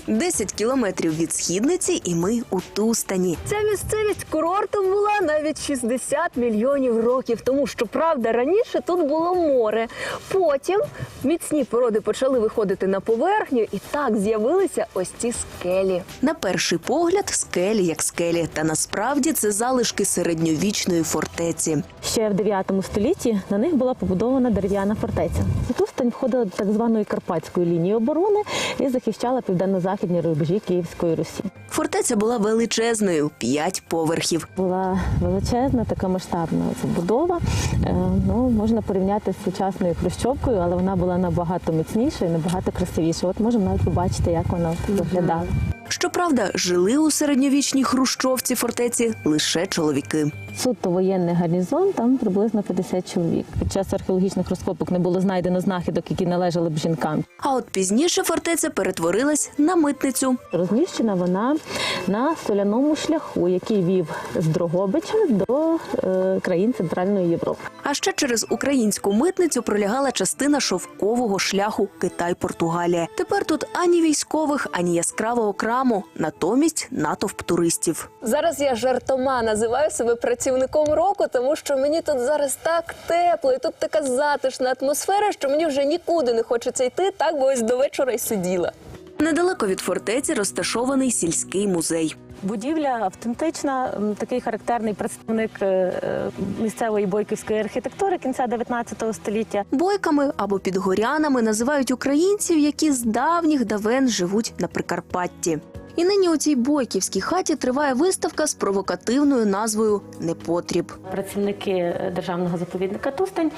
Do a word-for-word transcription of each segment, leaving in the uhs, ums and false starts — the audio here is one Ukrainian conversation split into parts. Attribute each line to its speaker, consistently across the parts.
Speaker 1: десять кілометрів від Східниці і ми у Тустані. Ця місцевість курортом була навіть шістдесят мільйонів років тому, що, правда, раніше тут було море. Потім міцні породи почали виходити на поверхню, і так з'явилися ось ці скелі. На перший погляд скелі як скелі, та насправді це залишки середньовічної фортеці.
Speaker 2: Ще в дев'ятому столітті на них була побудована дерев'яна фортеця. Тустань входила до так званої Карпатської лінії оборони і захищала південно-західні рубежі Київської Русі.
Speaker 1: Фортеця була величезною – п'ять поверхів.
Speaker 2: Була величезна, така масштабна забудова. Е, ну, можна порівняти з сучасною хрущовкою, але вона була набагато міцніша і набагато красивіша. От можемо навіть побачити, як вона виглядала.
Speaker 1: Щоправда, жили у середньовічній хрущовці фортеці лише чоловіки.
Speaker 2: Суто воєнний гарнізон, там приблизно п'ятдесят чоловік. Під час археологічних розкопок не було знайдено знахідок, які належали б жінкам.
Speaker 1: А от пізніше фортеця перетворилась на митницю.
Speaker 2: Розміщена вона на соляному шляху, який вів з Дрогобича до е, країн Центральної Європи.
Speaker 1: А ще через українську митницю пролягала частина шовкового шляху Китай-Португалія. Тепер тут ані військових, ані яскравого краму, натомість натовп туристів. Зараз я жартома називаю себе працівником року, тому що мені тут зараз так тепло, і тут така затишна атмосфера, що мені вже нікуди не хочеться йти, так би ось до вечора й сиділа. Недалеко від фортеці розташований сільський музей.
Speaker 2: Будівля автентична, такий характерний представник місцевої бойківської архітектури кінця дев'ятнадцятого століття.
Speaker 1: Бойками або підгорянами називають українців, які з давніх давен живуть на Прикарпатті. І нині у цій бойківській хаті триває виставка з провокативною назвою «Непотріб».
Speaker 2: Працівники державного заповідника Тустань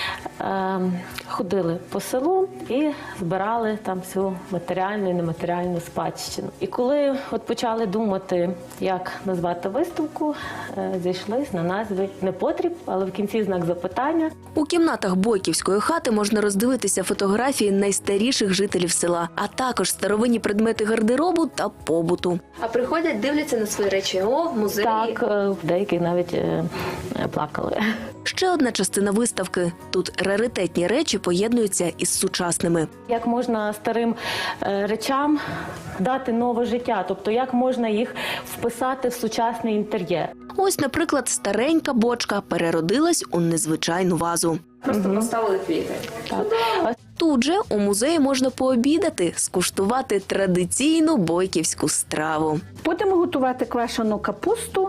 Speaker 2: е, ходили по селу і збирали там всю матеріальну і нематеріальну спадщину. І коли от почали думати, як назвати виставку, е, зійшлись на назві «Непотріб», але в кінці знак запитання.
Speaker 1: У кімнатах бойківської хати можна роздивитися фотографії найстаріших жителів села, а також старовинні предмети гардеробу та побуту. А приходять, дивляться на свої речі. О, в музеї.
Speaker 2: Так, деякі навіть е, плакали.
Speaker 1: Ще одна частина виставки. Тут раритетні речі поєднуються із сучасними.
Speaker 2: Як можна старим е, речам дати нове життя, тобто як можна їх вписати в сучасний інтер'єр.
Speaker 1: Ось, наприклад, старенька бочка переродилась у незвичайну вазу.
Speaker 3: Просто угу. поставили квіти.
Speaker 2: Так.
Speaker 1: Тут же у музеї можна пообідати, скуштувати традиційну бойківську страву.
Speaker 4: Будемо готувати квашену капусту,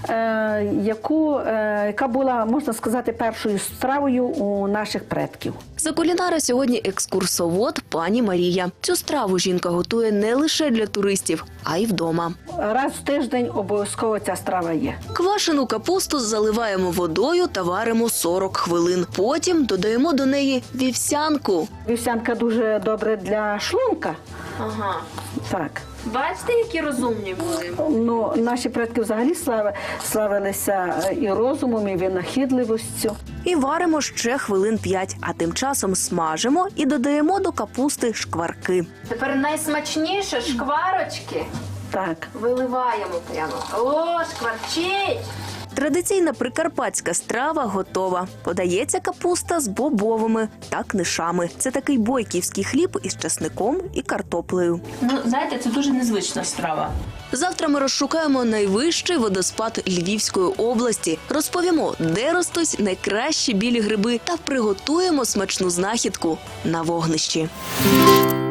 Speaker 4: е, яку, е, яка була, можна сказати, першою стравою у наших предків.
Speaker 1: За кулінара сьогодні екскурсовод пані Марія. Цю страву жінка готує не лише для туристів, а й вдома.
Speaker 4: Раз в тиждень обов'язково ця страва є.
Speaker 1: Квашену капусту заливаємо водою та варимо сорок хвилин. Потім додаємо до неї вівсянку.
Speaker 4: Вівсянка дуже добре для шлунка.
Speaker 3: Ага.
Speaker 4: Так.
Speaker 3: Бачите, які розумні були?
Speaker 4: Ну, наші предки взагалі слави, славилися і розумом, і винахідливістю.
Speaker 1: І варимо ще хвилин п'ять, а тим часом смажимо і додаємо до капусти шкварки.
Speaker 3: Тепер найсмачніше шкварочки
Speaker 4: Так.
Speaker 3: виливаємо прямо. О, шкварчить!
Speaker 1: Традиційна прикарпатська страва готова. Подається капуста з бобовими та книшами. Це такий бойківський хліб із часником і картоплею.
Speaker 3: Ну, знаєте, це дуже незвична страва.
Speaker 1: Завтра ми розшукаємо найвищий водоспад Львівської області, розповімо, де ростуть найкращі білі гриби та приготуємо смачну знахідку на вогнищі.